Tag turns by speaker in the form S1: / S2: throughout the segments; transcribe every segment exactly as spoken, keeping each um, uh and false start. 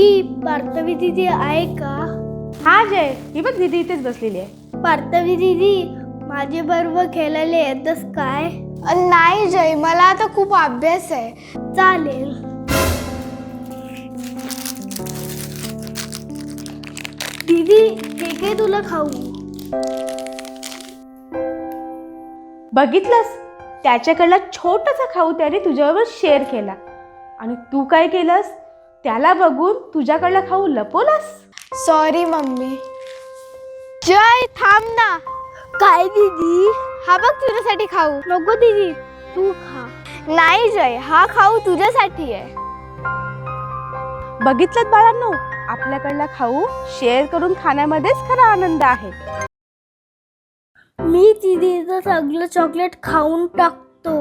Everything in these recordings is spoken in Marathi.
S1: नक्की पार्थवी दीदी आहे का?
S2: हा जय, ही बघ दीदी इथेच बसलेली आहे.
S1: पार्थवी दीदी माझे बरोबर खेळायला येतस काय?
S3: नाही जय, मला आता खूप अभ्यास आहे.
S1: चालेल. दीदी हे काय तुला खाऊ?
S2: बघितलंस, त्याच्याकडला छोटासा खाऊ त्याने तुझ्याबरोबर शेअर केला आणि तू काय केलंस, त्याला बघून तुझ्याकडला खाऊ लपवलास.
S3: Sorry mummy. जय थांब ना.
S1: काय दीदी?
S3: हा बघ तुझ्यासाठी खाऊ.
S1: नको दीदी, तू खा.
S3: नाही जय, हा खाऊ तुझ्यासाठी आहे.
S2: बघितलं बाळांनो, आपल्याकडला खाऊ शेअर करून खाण्यामध्येच खरा आनंद आहे.
S1: मी दीदीचं सगळं चॉकलेट खाऊन टाकतो.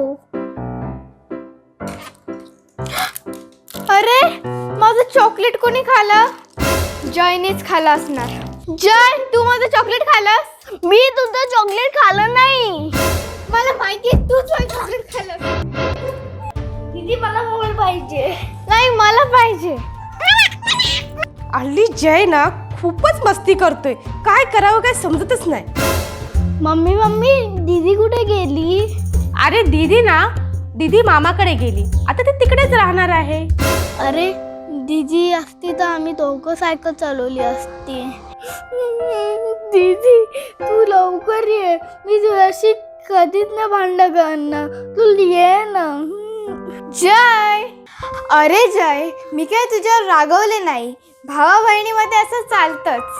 S3: अरे माझं चॉकलेट कोणी खाल्लं? जयनेच खाल्लं असणार. जय, तू माझं चॉकलेट खाल्लंस?
S1: मी तुझं चॉकलेट खाल्लं नाही.
S3: मला माहिती तूच माझं चॉकलेट खाल्लं.
S1: दीदी मला मोबाईल पाहिजे.
S3: नाही, मला पाहिजे.
S2: हल्ली जय ना खूपच मस्ती करतोय, काय करावं काय समजतच नाही.
S1: मम्मी मम्मी दीदी कुठे गेली?
S2: अरे दीदी ना, दीदी मामाकडे गेली, आता ती तिकडेच राहणार आहे.
S1: अरे दीदी असती तर आम्ही दोघं सायकल चालवली असती. दीदी तू लवकर ये, मी तुझ्याशी कधीच ना भांडण करणार, तू ये ना.
S3: जय, अरे जय, मी काय तुझ्यावर रागवले नाही. भावा बहिणीमध्ये असं चालतंच.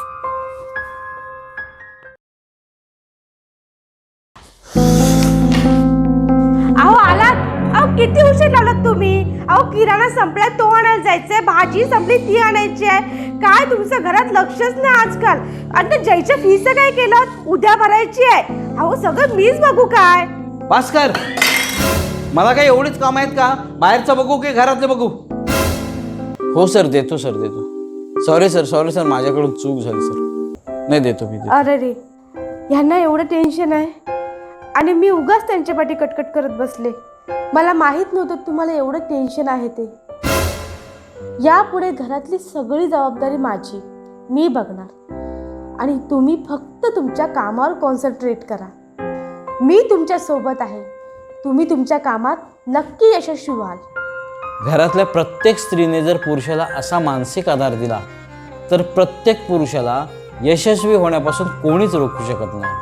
S2: अहो आलात? अहो किती उशीर लावलात तुम्ही? अहो किराणा संपलाय, तो आणायला जायचंय, भाजी संपली ती आणायची आहे. काय तुमचं घरात लक्षच नाही आजकाल. आणि जयच्या फीचं काय केलं? उद्या भरायची आहे. अहो सगळं मीच बघू काय?
S4: भास्कर, मला काय एवढीच काम आहेत का? बाहेरचं बघू की घरातलं बघू? हो सर, देतो सर, देतो. सॉरी सर, सॉरी सर, माझ्याकडून चूक झाली सर. नाही देतो मी.
S2: अरे रे, ह्यांना एवढं टेन्शन आहे आणि मी उगाच त्यांच्या पाठी कटकट करत बसले. मला माहीत नव्हतं तुम्हाला एवढं टेन्शन आहे ते. यापुढे घरातली सगळी जबाबदारी माझी, मी बघणार आणि तुम्ही फक्त तुमच्या कामावर कॉन्सन्ट्रेट करा. मी तुमच्या सोबत आहे. तुम्ही तुमच्या कामात नक्की यशस्वी व्हाल.
S4: घरातल्या प्रत्येक स्त्रीने जर पुरुषाला असा मानसिक आधार दिला तर प्रत्येक पुरुषाला यशस्वी होण्यापासून कोणीच रोखू शकत नाही.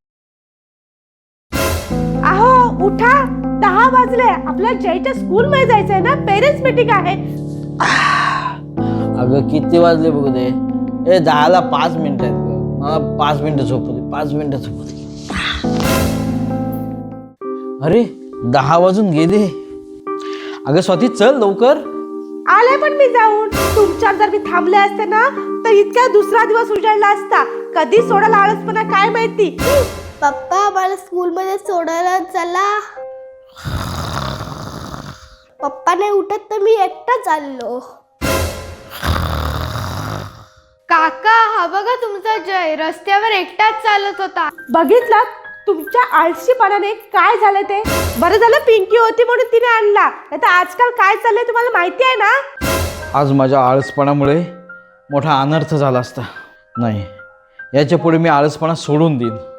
S2: अहो उठा, दहा वाजले, आपल्या जयच्या स्कूलमध्ये जायचंय ना, पेरेंट्स मीटिंग आहे.
S4: अगं किती वाजले बघू दे. ए दहाला पाच मिनिटं आहेत गं. मला पाच मिनिटं झोपू दे, पाच मिनिटं झोपू दे. अरे दहा वाजून गेले. अगं स्वाती चल लवकर.
S2: आले पण मी जाऊन. तुमच्यावर जर मी थांबले असते ना तर इतका दुसरा दिवस उजाडला असता. कधी सोडायला आळसपणा काय माहिती.
S1: पप्पा मला स्कूलमध्ये सोडायला चला. पप्पा नाही उठत तर मी एकटा चाललो.
S3: काका, हा बघा तुमचा जय रस्त्यावर एकटाच चालत होता.
S2: बघितलं तुमच्या आळशीपणाने काय झालं ते. बरं झालं पिंकी होती म्हणून तिने आणला, नाही तर आजकाल काय चाललंय तुम्हाला माहिती आहे ना.
S4: आज माझ्या आळसपणामुळे मोठा अनर्थ झाला असता. नाही, याच्या पुढे मी आळसपणा सोडून देईन.